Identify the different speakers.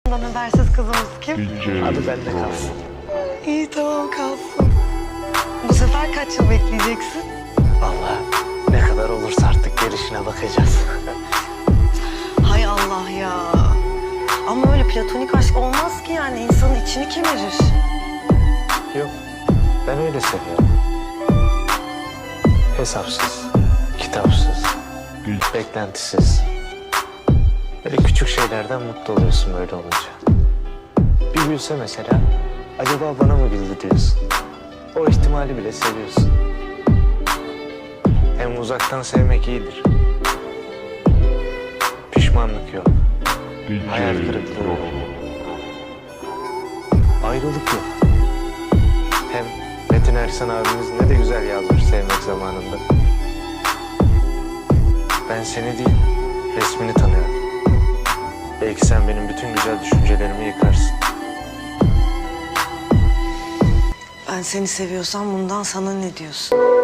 Speaker 1: habersiz kızımız kim?
Speaker 2: Adı bende kalsın.
Speaker 1: İyi tamam kalsın. Bu sefer kaç yıl bekleyeceksin?
Speaker 2: Vallahi ne kadar olursa artık gelişine bakacağız.
Speaker 1: Hay Allah ya. Ama öyle platonik aşk olmaz ki yani insanın içini kemirir.
Speaker 2: Yok, ben öyle seviyorum. Hesapsız, kitapsız, beklentisiz. Böyle küçük şeylerden mutlu oluyorsun böyle olunca. Bir gülse mesela, acaba bana mı güldü diyorsun. O ihtimali bile seviyorsun. Hem uzaktan sevmek iyidir. Pişmanlık yok. Hayal kırıklığı yok. Ayrılık yok. Hem Metin Ersan abimiz ne de güzel yazmış sevmek zamanında. Ben seni değil, resmini tanıyorum. Belki sen benim bütün güzel düşüncelerimi yıkarsın.
Speaker 1: Ben seni seviyorsam bundan sana ne diyorsun?